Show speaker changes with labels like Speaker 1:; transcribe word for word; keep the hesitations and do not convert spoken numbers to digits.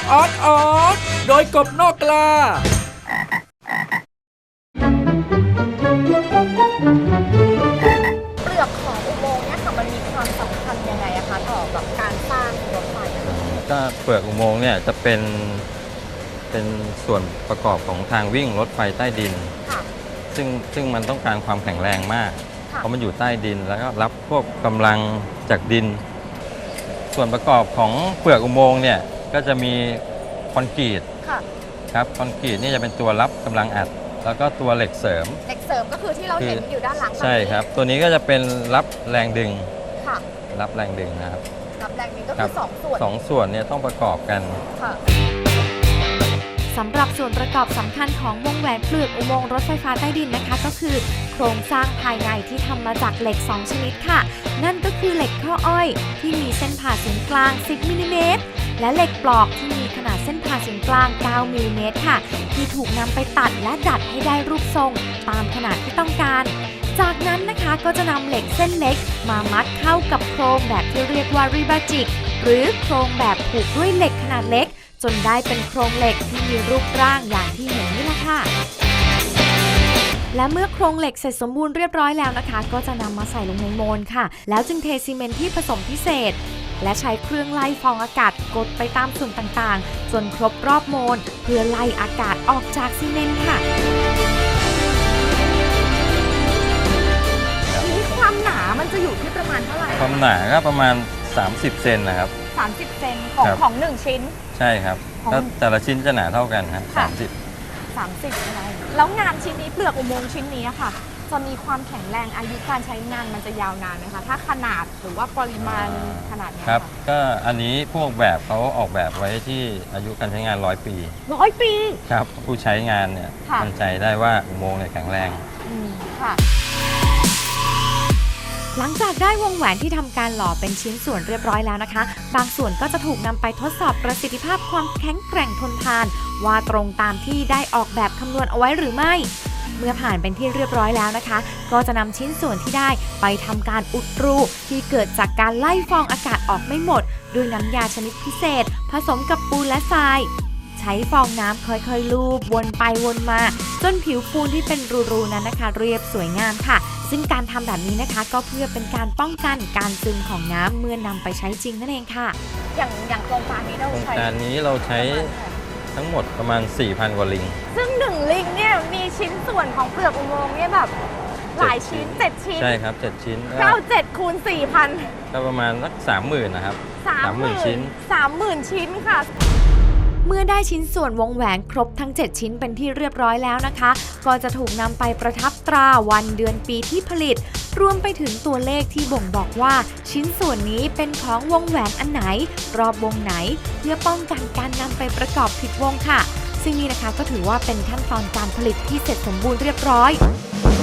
Speaker 1: ออดออดโดยกบนอกกลา
Speaker 2: เปลือกของอุโมงค์เนี่ยค่ะมันมีความสำคัญยังไงอะคะต่อแบบการสร้างรถไฟอะคะ
Speaker 3: ก็เปลือกอุโมงค์เนี่ยจะเป็นเป็นส่วนประกอบของทางวิ่งรถไฟใต้ดิน
Speaker 2: ค่ะ
Speaker 3: ซึ่งซึ่งมันต้องการความแข็งแรงมาก
Speaker 2: ค่ะ
Speaker 3: เพราะมันอยู่ใต้ดินแล้วก็รับพวกกำลังจากดิน ส่วนประกอบของเปลือกอุโมงค์เนี่ยก็จะมีคอนกรีต
Speaker 2: ค่ะ
Speaker 3: ครับคอนกรีตนี่จะเป็นตัวรับกำลังอัด แล้วก็ตัวเหล็กเสริม
Speaker 2: เหล็กเสริมก็คือที่เราเห็นอยู่ด้านหลัง
Speaker 3: ใช่ครับตัวนี้ก็จะเป็นรับแรงดึง
Speaker 2: ค่ะ
Speaker 3: รับแรงดึงนะครับ
Speaker 2: รับแรงดึงก็คือสองส่วน
Speaker 3: สองส่วนเนี่ยต้องประกอบกัน
Speaker 2: ค่ะ
Speaker 4: สำหรับส่วนประกอบสำคัญของวงแหวนเปลือกอุโมงค์รถไฟฟ้าใต้ดินนะคะก็คือโครงสร้างภายในที่ทำมาจากเหล็กสองชนิดค่ะนั่นก็คือเหล็กข้ออ้อยที่มีเส้นผ่าศูนย์กลางสิบมิลลิเมตรและเหล็กปลอกที่มีขนาดเส้นผ่าศูนย์กลางเก้ามิลลิเมตรค่ะที่ถูกนำไปตัดและดัดให้ได้รูปทรงตามขนาดที่ต้องการจากนั้นนะคะก็จะนำเหล็กเส้นเล็กมามัดเข้ากับโครงแบบที่เรียกว่ารีบาจิกหรือโครงแบบผูกด้วยเหล็กขนาดเล็กจนได้เป็นโครงเหล็กที่มีรูปร่างอย่างที่เห็นนี่แหละค่ะและเมื่อโครงเหล็กเสร็จสมบูรณ์เรียบร้อยแล้วนะคะก็จะนำมาใส่ลงในโมลค่ะแล้วจึงเทซีเมนต์ที่ผสมพิเศษและใช้เครื่องไล่ฟองอากาศกดไปตามส่วนต่างๆจนครบรอบโมลเพื่อไล่อากาศออกจากซีเมนต์ค่ะ
Speaker 2: นี้ความหนามันจะอยู่ที่ประมาณเท่าไหร่
Speaker 3: ความหนาก็ประมาณสามสิบเซนนะครับ
Speaker 2: สามสิบเซนของของหนึ่งชิ้น
Speaker 3: ใช่ครับแล้วแต่ละชิ้นจะหนาเท่ากันครับสามสิบ
Speaker 2: สามสิบอะไรแล้วงานชิ้นนี้เปลือกอุโมงค์ชิ้นนี้ค่ะจะมีความแข็งแรงอายุการใช้งานมันจะยาวนานไหมคะถ้าขนาดหรือว่าปริมาณขนาดนี้
Speaker 3: ครับก็อันนี้พวกแบบเขาออกแบบไว้ที่อายุการใช้งานร้อยปี
Speaker 2: ร้อยปี
Speaker 3: ครับผู้ใช้งานเนี่ยมั่นใจได้ว่าอุโมงค์เนี่ยแข็งแรง
Speaker 2: อืมค่ะ
Speaker 4: หลังจากได้วงแหวนที่ทำการหล่อเป็นชิ้นส่วนเรียบร้อยแล้วนะคะบางส่วนก็จะถูกนำไปทดสอบประสิทธิภาพความแข็งแกร่งทนทานว่าตรงตามที่ได้ออกแบบคำนวณเอาไว้หรือไม่เมื่อผ่านเป็นที่เรียบร้อยแล้วนะคะก็จะนำชิ้นส่วนที่ได้ไปทำการอุดรูที่เกิดจากการไล่ฟองอากาศออกไม่หมดด้วยน้ำยาชนิดพิเศษผสมกับปูนและทรายใช้ฟองน้ำค่อยๆลูบวนไปวนมาจนผิวปูนที่เป็นรูๆนั้นนะคะเรียบสวยงามค่ะซึ่งการทำแบบนี้นะคะก็เพื่อเป็นการป้องกันการซึมของน้ำเมื่อนำไปใช้จริงนั่นเองค่ะ
Speaker 2: อย่างอย่างโครงการนี้เราใช้
Speaker 3: โครงการนี้เราใช้ทั้งหมดประมาณ สี่พัน กว่าลิง
Speaker 2: ซึ่งหนึ่งลิงเนี่ยมีชิ้นส่วนของเปลือกอุโมงค์เนี่ยแบบหลายชิ้นเจ็ดชิ้น
Speaker 3: ใช่ครับเจ็ดชิ้น
Speaker 2: เก้าเจ็ดคูณสี่พัน
Speaker 3: ก็ประมาณสักสามหมื่นนะครับ
Speaker 2: สามหมื่นชิ้นสามหมื่นชิ้นค่ะ
Speaker 4: เมื่อได้ชิ้นส่วนวงแหวนครบทั้งเจ็ดชิ้นเป็นที่เรียบร้อยแล้วนะคะก็จะถูกนำไปประทับตราวันเดือนปีที่ผลิตรวมไปถึงตัวเลขที่บ่งบอกว่าชิ้นส่วนนี้เป็นของวงแหวนอันไหนรอบวงไหนเพื่อป้องกันการนำไปประกอบผิดวงค่ะซึ่งนี่นะคะก็ถือว่าเป็นขั้นตอนการผลิตที่เสร็จสมบูรณ์เรียบร้อย